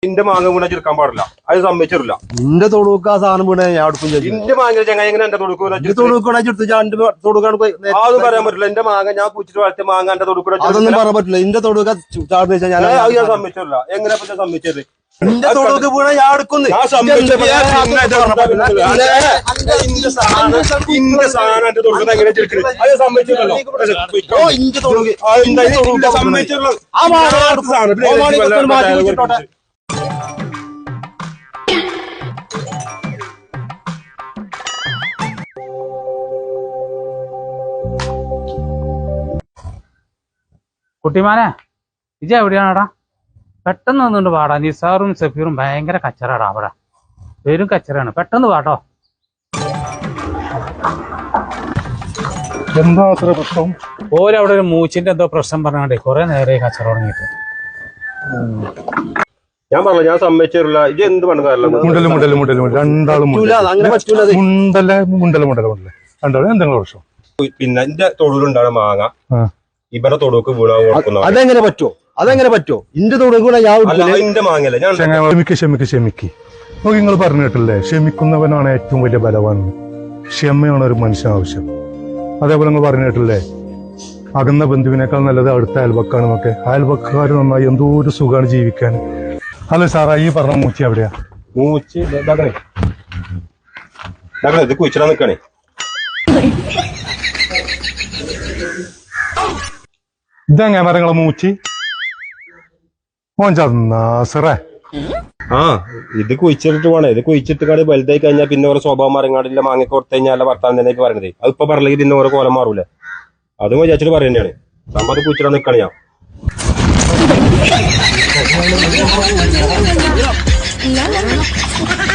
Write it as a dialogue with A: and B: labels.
A: ഇന്റെ മാങ്ങ വീണ ചെറുക്കാൻ പാടില്ല, അത് സമ്മതിച്ചിട്ടില്ല.
B: നിന്റെ തൊടുക്ക ആ സാധനം വീണ ഞാൻ അടുക്കും
A: ഇന്റെ മാങ്ങ ചങ്ങ എങ്ങനെ എന്റെ തൊടുക്കൂടെ അതൊന്നും പറയാൻ പറ്റില്ല. എന്റെ മാങ്ങ ഞാൻ പൂച്ചിട്ട് വളർത്തിയ മാങ്ങ എന്റെ തൊടുക്കൂടെ
B: അതൊന്നും പറയാൻ പറ്റില്ല. ഇന്റെ തൊടുക്ക ചാടുന്ന വെച്ചാൽ ഞാൻ
A: സമ്മതിച്ചിട്ടില്ല. എങ്ങനെ സമ്മതിച്ചത്?
B: നിന്റെ തൊടുക്ക് വീണ ഞാൻ അടുക്കുന്നു.
A: ഇന്റെ സാധനം എന്റെ തൊടുക്കുന്നത് എങ്ങനെ ചെറുക്കുന്നത്? അത് സമ്മതിച്ചിട്ടല്ലോ. സമ്മതിച്ചിട്ടുള്ളത്
C: കുട്ടിമാനെ ഇജ എവിടെയാണടാ? പെട്ടെന്ന് വന്നുകൊണ്ട് പാടാ. നിസാറും സഫീറും ഭയങ്കര കച്ചറാടാ അവിടെ, പേരും കച്ചറാണ്. പെട്ടെന്ന് പാട്ടോ.
D: എന്താ അത്ര പ്രശ്നം?
C: ഓരവിടെ ഒരു മൂച്ചിന്റെ എന്തോ പ്രശ്നം പറഞ്ഞാണ്ടേ കുറെ നേരെ കച്ചറ തുടങ്ങിയിട്ട്.
A: ഞാൻ പറഞ്ഞു ഞാൻ സമ്മതിച്ചിട്ടില്ല. ഇത് എന്ത് പണ്ടല്ല
D: രണ്ടാളും രണ്ടാളും എന്തെങ്കിലും പ്രശ്നം.
A: പിന്നെ എന്റെ തൊടുലുണ്ടാണ് മാങ്ങ ഇവരുടെ തൊടുക്ക് വീണാൻ കൊടുക്കുന്ന
B: അതെങ്ങനെ പറ്റോ? ഇന്റെ തൊടുക്ക്
A: എന്റെ മാങ്ങല്ലേ. ഞാൻ
D: ക്ഷമിക്ക് നോക്കി നിങ്ങൾ പറഞ്ഞു കേട്ടില്ലേ, ക്ഷമിക്കുന്നവനാണ് ഏറ്റവും വലിയ ബലവാൻ. ക്ഷമയാണ് ഒരു മനുഷ്യൻ ആവശ്യം. അതേപോലെ നിങ്ങൾ പറഞ്ഞു കേട്ടില്ലേ, അകന്ന ബന്ധുവിനേക്കാൾ നല്ലത് അടുത്ത അയൽവക്കാണെന്നൊക്കെ. അയൽവക്കാർ നന്നായി എന്തോ ഒരു സുഖമാണ് ജീവിക്കാൻ. അല്ല സാറാ, ഈ പറഞ്ഞ മൂച്ചി എവിടെയാ?
A: മൂച്ചി ഇത് കുഴിച്ചിടാൻ നിക്കണേ.
D: ഇതെങ്ങനെ മരങ്ങളെ മൂച്ചി മോഞ്ചാസറേ?
A: ഇത് കുഴിച്ചിട്ട് പോണേ. ഇത് കുഴിച്ചിട്ട് കാട് വലുതായി കഴിഞ്ഞാൽ പിന്നെ ഓരോ സ്വഭാവം മരങ്ങാടില്ല. മാങ്ങ കൊടുത്തു കഴിഞ്ഞാൽ ഭർത്താൻ തന്നെ പറയണത്. അതിപ്പോ പറഞ്ഞെങ്കിൽ പിന്നെ ഓരോ കോലം മാറൂലേ. അതും വിചാരിച്ചിട്ട് പറയുന്നതാണ്. സംഭവം കുഴിച്ചിടാൻ നിക്കണേ ഞാൻ.